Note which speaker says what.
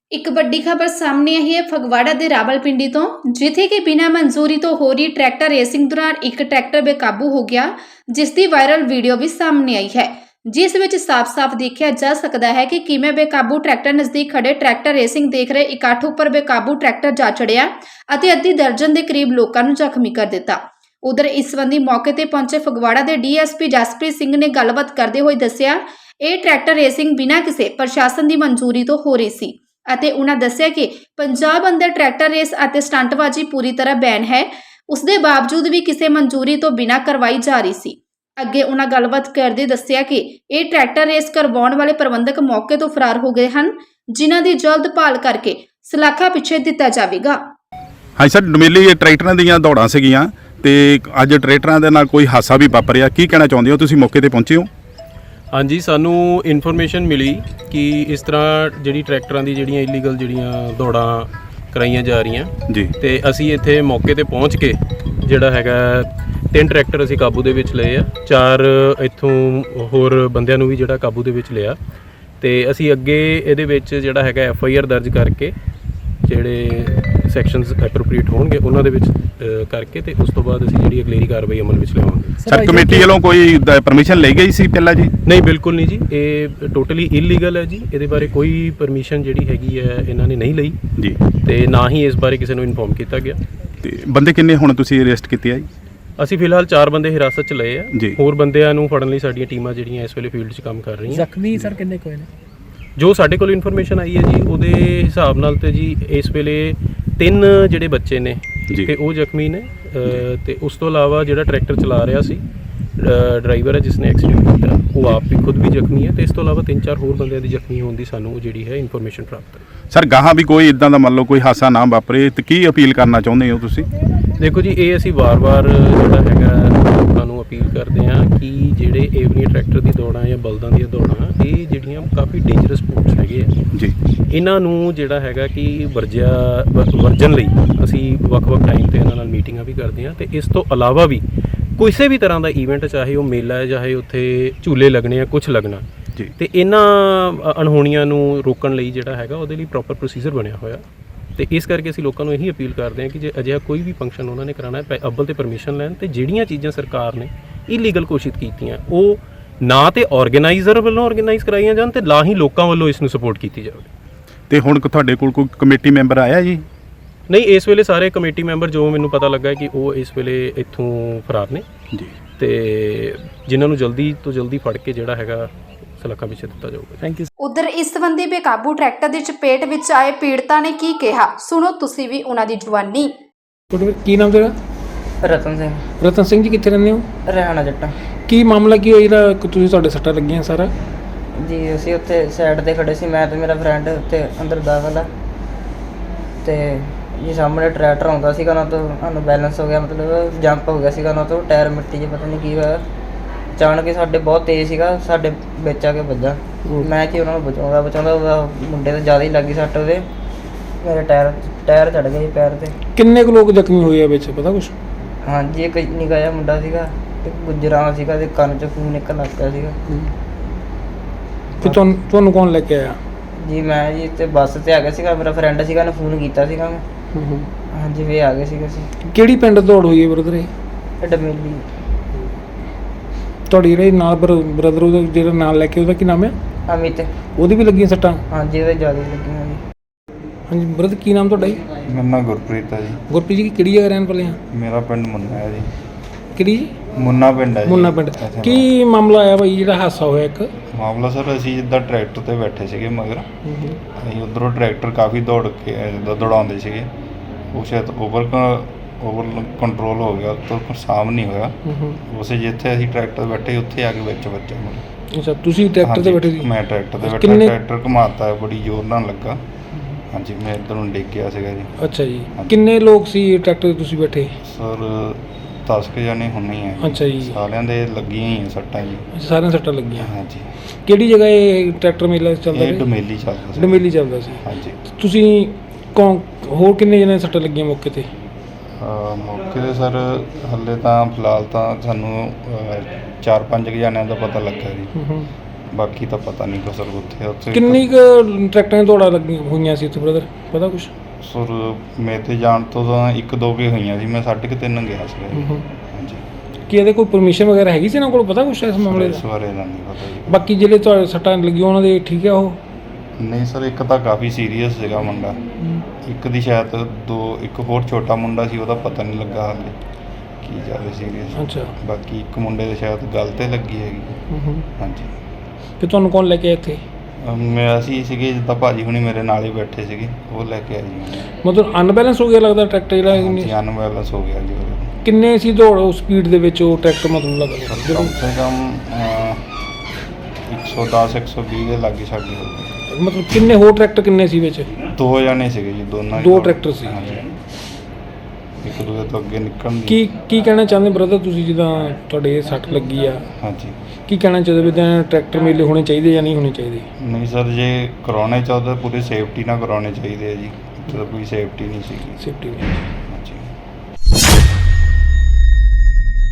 Speaker 1: ਇੱਕ ਵੱਡੀ ਖਬਰ ਸਾਹਮਣੇ ਆਈ ਹੈ ਫਗਵਾੜਾ ਦੇ ਰਾਵਲਪਿੰਡੀ ਤੋਂ, ਜਿੱਥੇ ਕਿ ਬਿਨਾਂ ਮਨਜ਼ੂਰੀ ਤੋਂ ਹੋ ਰਹੀ ਟਰੈਕਟਰ ਰੇਸਿੰਗ ਦੌਰਾਨ ਇੱਕ ਟਰੈਕਟਰ ਬੇਕਾਬੂ ਹੋ ਗਿਆ, ਜਿਸ ਦੀ ਵਾਇਰਲ ਵੀਡੀਓ ਵੀ ਸਾਹਮਣੇ ਆਈ ਹੈ, ਜਿਸ ਵਿੱਚ ਸਾਫ਼-ਸਾਫ਼ ਦੇਖਿਆ ਜਾ ਸਕਦਾ ਹੈ ਕਿ ਕਿਵੇਂ ਬੇਕਾਬੂ ਟਰੈਕਟਰ ਨਜ਼ਦੀਕ ਖੜੇ ਟਰੈਕਟਰ ਰੇਸਿੰਗ ਦੇਖ ਰਹੇ ਇਕੱਠ ਉੱਪਰ ਬੇਕਾਬੂ ਟਰੈਕਟਰ ਜਾ ਚੜਿਆ ਅਤੇ ਅੱਧੀ ਦਰਜਨ ਦੇ ਕਰੀਬ ਲੋਕਾਂ ਨੂੰ ਜ਼ਖਮੀ ਕਰ ਦਿੱਤਾ। ਉਧਰ ਇਸ ਸੰਬੰਧੀ ਮੌਕੇ ਤੇ ਪਹੁੰਚੇ ਫਗਵਾੜਾ ਦੇ ਡੀਐਸਪੀ ਜਸਪ੍ਰੀਤ ਸਿੰਘ ਨੇ ਗੱਲਬਾਤ ਕਰਦੇ ਹੋਏ ਦੱਸਿਆ, ਇਹ ਟਰੈਕਟਰ ਰੇਸਿੰਗ ਬਿਨਾਂ ਕਿਸੇ ਪ੍ਰਸ਼ਾਸਨ ਦੀ ਮਨਜ਼ੂਰੀ ਤੋਂ ਹੋ ਰਹੀ ਸੀ ਅਤੇ ਉਹਨਾਂ ਦੱਸਿਆ ਕਿ ਪੰਜਾਬ ਅੰਦਰ ਟਰੈਕਟਰ ਰੇਸ ਅਤੇ ਸਟੰਟਬਾਜ਼ੀ ਪੂਰੀ ਤਰ੍ਹਾਂ ਬੈਨ ਹੈ, ਉਸ ਦੇ ਬਾਵਜੂਦ ਵੀ ਕਿਸੇ ਮਨਜ਼ੂਰੀ ਤੋਂ ਬਿਨਾਂ ਕਰਵਾਈ ਜਾ ਰਹੀ ਸੀ। ਅੱਗੇ ਉਹਨਾਂ ਗੱਲਬਾਤ ਕਰਦੇ ਦੱਸਿਆ ਕਿ ਇਹ ਟਰੈਕਟਰ ਰੇਸ ਕਰਵਾਉਣ ਵਾਲੇ ਪ੍ਰਬੰਧਕ ਮੌਕੇ ਤੋਂ ਫਰਾਰ ਹੋ ਗਏ ਹਨ, ਜਿਨ੍ਹਾਂ ਦੀ ਜਲਦ ਭਾਲ ਕਰਕੇ ਸਲਾਖਾ ਪਿੱਛੇ ਦਿੱਤਾ ਜਾਵੇਗਾ।
Speaker 2: ਹਾਂਜੀ ਸਰ, ਡਮੇਲੀ ਟਰੈਕਟਰਾਂ ਦੀਆਂ ਦੌੜਾਂ ਸੀਗੀਆਂ ਤੇ ਅੱਜ ਟਰੈਕਟਰਾਂ ਦੇ ਨਾਲ ਕੋਈ ਹਾਦਸਾ ਵੀ ਵਾਪਰਿਆ, ਕੀ ਕਹਿਣਾ ਚਾਹੁੰਦੇ ਹੋ? ਤੁਸੀਂ ਮੌਕੇ ਤੇ ਪਹੁੰਚੇ ਹੋ?
Speaker 3: ਹਾਂਜੀ, ਸਾਨੂੰ ਇਨਫੋਰਮੇਸ਼ਨ ਮਿਲੀ ਕਿ ਇਸ ਤਰ੍ਹਾਂ ਜਿਹੜੀ ਟਰੈਕਟਰਾਂ ਦੀ ਜਿਹੜੀਆਂ ਇਲੀਗਲ ਜਿਹੜੀਆਂ ਦੌੜਾਂ ਕਰਾਈਆਂ ਜਾ ਰਹੀਆਂ
Speaker 2: ਜੀ,
Speaker 3: ਤੇ ਅਸੀਂ ਇੱਥੇ ਮੌਕੇ ਤੇ ਪਹੁੰਚ ਕੇ ਜਿਹੜਾ ਹੈਗਾ 3 ਟਰੈਕਟਰ ਅਸੀਂ ਕਾਬੂ ਦੇ ਵਿੱਚ ਲਏ ਆ, 4 ਇੱਥੋਂ ਹੋਰ ਬੰਦਿਆਂ ਨੂੰ ਵੀ ਜਿਹੜਾ ਕਾਬੂ ਦੇ ਵਿੱਚ ਲਿਆ ਤੇ ਅਸੀਂ ਅੱਗੇ ਇਹਦੇ ਵਿੱਚ ਜਿਹੜਾ ਹੈਗਾ FIR ਦਰਜ ਕਰਕੇ ਜਿਹੜੇ ਸੈਕਸ਼ਨਸ ਐਪਰੋਪਰੀਏਟ ਹੋਣਗੇ ਉਹਨਾਂ ਦੇ ਵਿੱਚ ਕਰਕੇ ਤੇ ਉਸ ਤੋਂ ਬਾਅਦ ਅਸੀਂ ਜਿਹੜੀ ਅਗਲੇਰੀ ਕਾਰਵਾਈ ਅਮਲ ਵਿੱਚ ਲਿਆਵਾਂਗੇ।
Speaker 2: ਸਰ ਕਮੇਟੀ ਵੱਲੋਂ ਕੋਈ ਪਰਮਿਸ਼ਨ ਲਈ ਗਈ ਸੀ ਪਹਿਲਾਂ ਜੀ?
Speaker 3: ਨਹੀਂ, ਬਿਲਕੁਲ ਨਹੀਂ ਜੀ, ਇਹ ਟੋਟਲੀ ਇਲੀਗਲ ਹੈ ਜੀ। ਇਹਦੇ ਬਾਰੇ ਕੋਈ ਪਰਮਿਸ਼ਨ ਜਿਹੜੀ ਹੈਗੀ ਹੈ ਇਹਨਾਂ ਨੇ ਨਹੀਂ ਲਈ
Speaker 2: ਜੀ
Speaker 3: ਤੇ ਨਾ ਹੀ ਇਸ ਬਾਰੇ ਕਿਸੇ ਨੂੰ ਇਨਫੋਰਮ ਕੀਤਾ ਗਿਆ।
Speaker 2: ਤੇ ਬੰਦੇ ਕਿੰਨੇ ਹੁਣ ਤੁਸੀਂ ਅਰੈਸਟ ਕੀਤੇ ਆ ਜੀ?
Speaker 3: ਅਸੀਂ ਫਿਲਹਾਲ 4 ਬੰਦੇ ਹਿਰਾਸਤ 'ਚ ਲਏ ਆ,
Speaker 2: ਜੀ।
Speaker 3: ਹੋਰ ਬੰਦਿਆਂ ਨੂੰ ਫੜਨ ਲਈ ਸਾਡੀਆਂ ਟੀਮਾਂ ਜਿਹੜੀਆਂ ਇਸ ਵੇਲੇ ਫੀਲਡ 'ਚ ਕੰਮ ਕਰ ਰਹੀਆਂ।
Speaker 4: ਜ਼ਖਮੀ ਸਰ ਕਿੰਨੇ ਕੋਈ ਨੇ?
Speaker 3: ਜੋ ਸਾਡੇ ਕੋਲ ਇਨਫੋਰਮੇਸ਼ਨ ਆਈ ਹੈ ਜੀ ਉਹਦੇ ਹਿਸਾਬ ਨਾਲ ਤੇ ਜੀ ਇਸ ਵੇਲੇ 3 ਜਿਹੜੇ ਬੱਚੇ ਨੇ ਤੇ ਉਹ ਜ਼ਖਮੀ ਨੇ ਤੇ ਉਸ ਤੋਂ ਇਲਾਵਾ ਜਿਹੜਾ ਟਰੈਕਟਰ ਚਲਾ ਰਿਹਾ ਸੀ ਡਰਾਈਵਰ ਹੈ ਜਿਸਨੇ ਐਕਸੀਡੈਂਟ ਕੀਤਾ, ਉਹ ਆਪ ਵੀ ਖੁਦ ਵੀ ਜ਼ਖਮੀ ਹੈ ਤੇ ਇਸ ਤੋਂ ਇਲਾਵਾ 3-4 ਹੋਰ ਬੰਦਿਆਂ ਦੀ ਜ਼ਖਮੀ ਹੋਣ ਦੀ ਸਾਨੂੰ ਜਿਹੜੀ ਹੈ ਇਨਫੋਰਮੇਸ਼ਨ ਪ੍ਰਾਪਤ ਹੈ।
Speaker 2: ਸਰ ਗਾਹਾਂ ਵੀ ਕੋਈ ਇਦਾਂ ਦਾ ਮੰਨ ਲਓ ਕੋਈ ਹਾਦਸਾ ਨਾ ਵਾਪਰੇ ਤੇ ਕੀ ਅਪੀਲ ਕਰਨਾ ਚਾਹੁੰਦੇ ਹੋ ਤੁਸੀਂ?
Speaker 3: ਦੇਖੋ ਜੀ, ਇਹ ਅਸੀਂ ਵਾਰ-ਵਾਰ ਜਿਹੜਾ ਹੈਗਾ ਲੋਕਾਂ ਨੂੰ ਅਪੀਲ ਕਰਦੇ ਹਾਂ ਕਿ ਜਿਹੜੇ ਏਵਨੀ ਟਰੈਕਟਰ ਦੀ ਦੌੜਾਂ ਜਾਂ ਬਲਦਾਂ ਦੀਆਂ ਦੌੜਾਂ, ਇਹ ਜਿਹੜੀਆਂ ਕਾਫੀ ਡੇਂਜਰਸ ਸਪੋਰਟਸ ਹੈਗੇ ਆ
Speaker 2: ਜੀ,
Speaker 3: ਇਹਨਾਂ ਨੂੰ ਜਿਹੜਾ ਹੈਗਾ ਕਿ ਵਰਜਨ ਲਈ ਅਸੀਂ ਵੱਖ-ਵੱਖ ਟਾਈਮ ਤੇ ਇਹਨਾਂ ਨਾਲ ਮੀਟਿੰਗਾਂ ਵੀ ਕਰਦੇ ਹਾਂ ਤੇ ਇਸ ਤੋਂ ਇਲਾਵਾ ਵੀ ਕਿਸੇ ਵੀ ਤਰ੍ਹਾਂ ਦਾ ਈਵੈਂਟ, ਚਾਹੇ ਉਹ ਮੇਲਾ ਹੈ, ਚਾਹੇ ਉੱਥੇ ਝੂਲੇ ਲੱਗਣੇ ਆ, ਕੁਝ ਲੱਗਣਾ
Speaker 2: ਜੀ,
Speaker 3: ਤੇ ਇਹਨਾਂ ਅਣਹੋਣੀਆਂ ਨੂੰ ਰੋਕਣ ਲਈ ਜਿਹੜਾ ਹੈਗਾ ਉਹਦੇ ਲਈ ਪ੍ਰੋਪਰ ਪ੍ਰੋਸੀਜਰ ਬਣਿਆ ਹੋਇਆ ਤੇ ਇਸ ਕਰਕੇ ਅਸੀਂ ਲੋਕਾਂ ਨੂੰ ਇਹੀ ਅਪੀਲ ਕਰਦੇ ਹਾਂ ਕਿ ਜੇ ਅਜਿਹਾ ਕੋਈ ਵੀ ਫੰਕਸ਼ਨ ਉਹਨਾਂ ਨੇ ਕਰਾਉਣਾ ਹੈ, ਅੱਵਲ ਤੇ ਪਰਮਿਸ਼ਨ ਲੈਣ ਤੇ ਜਿਹੜੀਆਂ ਚੀਜ਼ਾਂ ਸਰਕਾਰ ਨੇ ਇਲੀਗਲ ਘੋਸ਼ਿਤ ਕੀਤੀਆਂ ਉਹ ਨਾ ਤੇ ਆਰਗੇਨਾਈਜ਼ਰ ਵੱਲੋਂ ਆਰਗੇਨਾਈਜ਼ ਕਰਾਈਆਂ ਜਾਣ ਤੇ ਨਾ ਹੀ ਲੋਕਾਂ ਵੱਲੋਂ ਇਸ ਨੂੰ ਸਪੋਰਟ ਕੀਤੀ ਜਾਵੇ। ਤੇ
Speaker 2: ਹੁਣ ਤੁਹਾਡੇ ਕੋਲ ਕੋਈ ਕਮੇਟੀ ਮੈਂਬਰ ਆਇਆ ਜੀ?
Speaker 3: ਨਹੀਂ, ਇਸ ਵੇਲੇ ਸਾਰੇ ਕਮੇਟੀ ਮੈਂਬਰ ਜੋ ਮੈਨੂੰ ਪਤਾ ਲੱਗਾ ਕਿ ਉਹ ਇਸ ਵੇਲੇ ਇੱਥੋਂ ਫਰਾਰ ਨੇ
Speaker 2: ਜੀ
Speaker 3: ਤੇ ਜਿਨ੍ਹਾਂ ਨੂੰ ਜਲਦੀ ਤੋਂ ਜਲਦੀ ਫੜ ਕੇ ਜਿਹੜਾ ਹੈਗਾ ਸਲਾਖਾਂ ਪਿੱਛੇ ਦਿੱਤਾ ਜਾਊਗਾ।
Speaker 4: Thank you.
Speaker 1: ਉਧਰ ਇਸ ਸੰਬੰਧੀ ਬੇਕਾਬੂ ਟਰੈਕਟਰ ਦੀ ਚਪੇਟ ਵਿੱਚ ਆਏ ਪੀੜਤਾਂ ਨੇ ਕੀ ਕਿਹਾ, ਸੁਣੋ ਤੁਸੀਂ ਵੀ ਉਹਨਾਂ ਦੀ ਜ਼ੁਬਾਨੀ।
Speaker 4: ਕੀ ਨਾਮ ਤੇਰਾ?
Speaker 5: ਰਤਨ ਸਿੰਘ।
Speaker 4: ਰਤਨ ਸਿੰਘ ਜੀ, ਕਿੱਥੇ ਰਹਿੰਦੇ ਹੋ?
Speaker 5: ਰਹਿਣਾ ਜੱਟਾਂ
Speaker 4: ਕੀ ਮਾਮਲਾ ਕੀ ਹੋਇਆ ਜਿਹੜਾ ਤੁਸੀਂ ਤੁਹਾਡੇ ਸੱਟਾਂ ਲੱਗੀਆਂ ਸਾਰਾ?
Speaker 5: ਜੀ ਅਸੀਂ ਉੱਥੇ ਸਾਈਡ ਤੇ ਖੜੇ ਸੀ, ਮੈਂ ਤੇ ਮੇਰਾ ਫਰੈਂਡ ਉੱਥੇ ਅੰਦਰ ਦਾਖਲ ਆ ਤੇ ਜੀ ਸਾਹਮਣੇ ਟਰੈਕਟਰ ਆਉਂਦਾ ਸੀਗਾ, ਉਹਨਾਂ ਤੋਂ ਸਾਨੂੰ ਬੈਲੈਂਸ ਹੋ ਗਿਆ, ਮਤਲਬ ਜੰਪ ਹੋ ਗਿਆ ਸੀਗਾ ਉਹਨਾਂ ਤੋਂ, ਟਾਇਰ ਮਿੱਟੀ 'ਚ ਪਤਾ ਨਹੀਂ ਕੀ ਹੋਇਆ, ਅਚਾਨਕ ਹੀ ਸਾਡੇ ਬਹੁਤ ਤੇਜ਼ ਸੀਗਾ, ਸਾਡੇ ਵਿੱਚ ਆ ਕੇ ਵੱਜਾ। ਮੈਂ ਕਿ ਉਹਨਾਂ ਨੂੰ ਬਚਾਉਂਦਾ ਉਹਦਾ ਮੁੰਡੇ ਤੋਂ ਜ਼ਿਆਦਾ ਹੀ ਲੱਗੀ ਸੱਟ, ਉਹਦੇ ਮੇਰੇ ਟਾਇਰ ਚੜ੍ਹ ਗਿਆ ਜੀ ਪੈਰ 'ਤੇ।
Speaker 4: ਕਿੰਨੇ ਕੁ ਲੋਕ ਜ਼ਖਮੀ ਹੋਏ ਆ ਵਿੱਚ, ਪਤਾ ਕੁਛ?
Speaker 5: ਹਾਂਜੀ, ਇੱਕ ਨਿੱਕਾ ਜਿਹਾ ਮੁੰਡਾ ਸੀਗਾ ਤੇ ਗੁਜਰਾਂ ਸੀਗਾ ਤੇ ਕੰਨ 'ਚ ਖੂਨ ਨਿਕਲ ਲੱਗ ਪਿਆ ਸੀਗਾ।
Speaker 4: ਫਿਰ ਤੁਹਾਨੂੰ ਕੌਣ ਲੈ ਕੇ ਆਇਆ?
Speaker 5: ਜੀ ਮੈਂ ਜੀ ਤੇ ਬੱਸ ਤੇ ਆ ਗਿਆ ਸੀਗਾ, ਮੇਰਾ ਫਰੈਂਡ ਸੀਗਾ, ਉਹਨੇ ਫੋਨ ਕੀਤਾ ਸੀਗਾ ਮੈਂ। ਹਾਂਜੀ, ਵੀ ਆ ਗਏ ਸੀਗੇ ਅਸੀਂ।
Speaker 4: ਕਿਹੜੀ ਪਿੰਡ ਦੌੜ ਹੋਈ ਹੈ ਬ੍ਰਦਰ?
Speaker 5: ਇਹ ਡਮੇਲੀ।
Speaker 4: ਤੁਹਾਡੀ ਜਿਹੜੇ ਨਾਲ ਬ੍ਰਦਰ ਉਹਦਾ ਜਿਹੜਾ ਨਾਲ ਲੈ ਕੇ, ਉਹਦਾ ਕੀ ਨਾਮ ਹੈ?
Speaker 5: ਅਮਿਤ।
Speaker 4: ਉਹਦੀ ਵੀ ਲੱਗੀਆਂ ਸੱਟਾਂ?
Speaker 5: ਹਾਂਜੀ, ਉਹਦੇ ਜ਼ਿਆਦਾ ਲੱਗੀਆਂ ਜੀ।
Speaker 4: ਹਾਂਜੀ ਬ੍ਰਦਰ, ਕੀ ਨਾਮ ਤੁਹਾਡਾ ਜੀ?
Speaker 6: ਮੇਰਾ ਨਾਮ ਗੁਰਪ੍ਰੀਤ ਹੈ ਜੀ।
Speaker 4: ਗੁਰਪ੍ਰੀਤ ਜੀ, ਕਿਹੜੀ ਜਗ੍ਹਾ ਰਹਿਣ ਵਾਲੇ ਆ?
Speaker 6: ਮੇਰਾ ਪਿੰਡ ਮੁੰਨਾ ਹੈ ਜੀ।
Speaker 4: ਕਿਹੜੀ ਜੀ?
Speaker 6: ਮੁੰਨਾ ਪਿੰਡ ਹੈ ਜੀ।
Speaker 4: ਮੁੰਨਾ ਪਿੰਡ। ਕੀ ਮਾਮਲਾ ਆਇਆ ਬਾਈ ਜਿਹੜਾ ਹਾਦਸਾ ਹੋਇਆ ਇੱਕ?
Speaker 6: ਮਾਮਲਾ ਸਰ, ਅਸੀਂ ਜਿੱਦਾਂ ਟਰੈਕਟਰ ਤੇ ਬੈਠੇ ਸੀਗੇ ਮਗਰ, ਅਸੀਂ ਉੱਧਰੋਂ ਟਰੈਕਟਰ ਕਾਫੀ ਦੌੜ ਕੇ ਜਿੱਦਾਂ ਦੌੜਾਉਂਦੇ ਸੀਗੇ, ਉਹ ਸ਼ਾਇਦ ਓਵਰ ਕੰਟਰੋਲ ਹੋ ਗਿਆ, ਤੋਂ ਸਾਮ ਨਹੀਂ ਹੋਇਆ, ਉਸੇ ਜਿੱਥੇ ਅਸੀਂ ਟਰੈਕਟਰ ਬੈਠੇ ਉੱਥੇ ਆ ਕੇ ਵਿੱਚ ਬੱਚਾ ਮਤਲਬ।
Speaker 4: ਅੱਛਾ, ਤੁਸੀਂ ਟਰੈਕਟਰ ਤੇ ਬੈਠੇ ਸੀ?
Speaker 6: ਮੈਂ ਟਰੈਕਟਰ ਤੇ ਬੈਠਾ, ਟਰੈਕਟਰ ਘੁਮਾਤਾ ਬੜੀ ਜ਼ੋਰ ਨਾਲ ਲੱਗਾ। ਹਾਂਜੀ, ਮੈਂ ਇੱਧਰ ਨੂੰ ਡਿੱਗ ਗਿਆ ਸੀਗਾ ਜੀ।
Speaker 4: ਅੱਛਾ ਜੀ, ਕਿੰਨੇ ਲੋਕ ਸੀ ਟਰੈਕਟਰ ਤੇ ਤੁਸੀਂ ਬੈਠੇ?
Speaker 6: ਸਰ 10 ਕੁ ਜਾਣੇ ਹੋਣੇ ਹੀ ਆ।
Speaker 4: ਅੱਛਾ ਜੀ,
Speaker 6: ਸਾਰਿਆਂ ਦੇ ਲੱਗੀਆਂ ਹੀ ਆ ਸੱਟਾਂ ਜੀ।
Speaker 4: ਸਾਰਿਆਂ ਸੱਟਾਂ ਲੱਗੀਆਂ?
Speaker 6: ਹਾਂਜੀ।
Speaker 4: ਕਿਹੜੀ ਜਗ੍ਹਾ ਇਹ ਟਰੈਕਟਰ ਮੇਲਾ ਚੱਲਦਾ?
Speaker 6: ਇਹ ਡਮੇਲੀ ਚੱਲਦਾ ਸੀ।
Speaker 4: ਡਮੇਲੀ ਚੱਲਦਾ ਸੀ।
Speaker 6: ਹਾਂਜੀ।
Speaker 4: ਤੁਸੀਂ ਹੋਰ ਕਿੰਨੇ ਜਣੇ ਸੱਟਾਂ ਲੱਗੀਆਂ ਮੌਕੇ ਤੇ?
Speaker 6: ਮੌਕੇ 'ਤੇ ਸਰ ਹਾਲੇ ਤਾਂ ਫਿਲਹਾਲ ਤਾਂ ਸਾਨੂੰ 4-5 ਜਣਿਆਂ ਦਾ ਪਤਾ ਲੱਗਾ ਜੀ। ਬਾਕੀ ਤਾਂ ਪਤਾ ਨਹੀਂ ਕਸਰ ਉੱਥੇ ਆ। ਉੱਥੇ
Speaker 4: ਕਿੰਨੀ ਕੁ ਟਰੈਕਟਰਾਂ ਦੀਆਂ ਦੌੜਾਂ ਲੱਗੀਆਂ ਹੋਈਆਂ ਸੀ ਉੱਥੇ ਬ੍ਰਦਰ, ਪਤਾ ਕੁਛ?
Speaker 6: ਸੁਰ ਮੇਰੇ ਤੇ ਜਾਣ ਤੋਂ ਤਾਂ 1-2 ਕੇ ਹੋਈਆਂ ਸੀ, ਮੈਂ 3.5 ਗਿਆ ਸੀਗਾ ਜੀ। ਹਾਂਜੀ,
Speaker 4: ਕੀ ਇਹਦੇ ਕੋਈ ਪਰਮਿਸ਼ਨ ਵਗੈਰਾ ਹੈਗੀ ਸੀ ਇਹਨਾਂ ਕੋਲ, ਪਤਾ ਕੁਛ ਇਸ ਮਾਮਲੇ
Speaker 6: ਇਸ
Speaker 4: ਦਾ?
Speaker 6: ਬਾਰੇ ਤਾਂ ਨਹੀਂ ਪਤਾ ਜੀ।
Speaker 4: ਬਾਕੀ ਜਿਹੜੇ ਤੁਹਾਡੇ ਸੱਟਾਂ ਲੱਗੀਆਂ ਉਹਨਾਂ ਦੇ ਠੀਕ ਆ ਉਹ?
Speaker 6: ਨਹੀਂ ਸਰ, ਇੱਕ ਤਾਂ ਕਾਫੀ ਸੀਰੀਅਸ ਸੀਗਾ ਮੁੰਡਾ, ਇੱਕ ਦੀ ਸ਼ਾਇਦ ਇੱਕ ਹੋਰ ਛੋਟਾ ਮੁੰਡਾ ਸੀ, ਉਹਦਾ ਪਤਾ ਨਹੀਂ ਲੱਗਾ ਹਾਲੇ ਕੀ ਜ਼ਿਆਦਾ ਸੀਰੀਅਸ।
Speaker 4: ਅੱਛਾ।
Speaker 6: ਬਾਕੀ ਇੱਕ ਮੁੰਡੇ ਦੇ ਸ਼ਾਇਦ ਗਲ ਤੇ ਲੱਗੀ ਹੈਗੀ। ਹਾਂਜੀ।
Speaker 4: ਤੇ ਤੁਹਾਨੂੰ ਕੌਣ ਲੈ ਕੇ ਆਇਆ ਇੱਥੇ?
Speaker 6: ਅਸੀਂ ਸੀਗੇ ਜਿੱਦਾਂ ਭਾਜੀ ਹੁਣੀ ਮੇਰੇ ਨਾਲ ਹੀ ਬੈਠੇ ਸੀਗੇ, ਉਹ ਲੈ ਕੇ ਆਏ ਜੀ।
Speaker 4: ਮਤਲਬ ਅਨਬੈਲੈਂਸ ਹੋ ਗਿਆ ਲੱਗਦਾ ਟਰੈਕਟਰ ਜਿਹੜਾ?
Speaker 6: ਹਾਂਜੀ, ਅਨਬੈਲੈਂਸ ਹੋ ਗਿਆ ਜੀ ਉਹਦਾ।
Speaker 4: ਕਿੰਨੇ ਸੀ ਦੌੜ ਉਹ ਸਪੀਡ ਦੇ ਵਿੱਚ ਉਹ ਟਰੈਕਟਰ, ਮਤਲਬ ਲੱਗਦਾ
Speaker 6: ਕਮ ਸੇ ਕਮ 110-120 ਦੇ ਲਾਗੇ ਛਾਗੇ ਹੋ ਗਏ।
Speaker 4: ਮਤਲਬ ਕਿੰਨੇ ਹੋਰ ਟਰੈਕਟਰ ਕਿੰਨੇ ਸੀ ਵਿੱਚ?
Speaker 6: 2 ਜਣੇ ਸੀਗੇ ਜੀ, ਦੋਨਾਂ ਹੀ
Speaker 4: ਦੋ
Speaker 6: ਦੌੜ-
Speaker 4: ਟਰੈਕਟਰ ਸੀ।
Speaker 6: ਹਾਂਜੀ। ਇੱਕ ਦੂਜੇ ਤੋਂ ਅੱਗੇ ਨਿਕਲਣ ਦੀ।
Speaker 4: ਕੀ ਕਹਿਣਾ ਚਾਹੁੰਦੇ ਬ੍ਰਦਰ ਤੁਸੀਂ, ਜਿੱਦਾਂ ਤੁਹਾਡੇ ਇਹ ਸੱਟ ਲੱਗੀ ਆ,
Speaker 6: ਹਾਂਜੀ।
Speaker 4: ਕੀ ਕਹਿਣਾ ਚਾਹੁੰਦੇ ਵੀ ਤਾਂ ਟਰੈਕਟਰ ਮੇਲੇ ਹੋਣੇ ਚਾਹੀਦੇ ਜਾਂ ਨਹੀਂ ਹੋਣੇ ਚਾਹੀਦੇ?
Speaker 6: ਨਹੀਂ ਸਰ, ਜੇ ਕਰਾਉਣੇ ਚਾਹੁੰਦੇ ਪੂਰੀ ਸੇਫਟੀ ਨਾਲ ਕਰਾਉਣੇ ਚਾਹੀਦੇ ਆ ਜੀ। ਇੱਥੇ ਤਾਂ ਕੋਈ ਸੇਫਟੀ ਨਹੀਂ ਸੀਗੀ।
Speaker 4: ਸੇਫਟੀ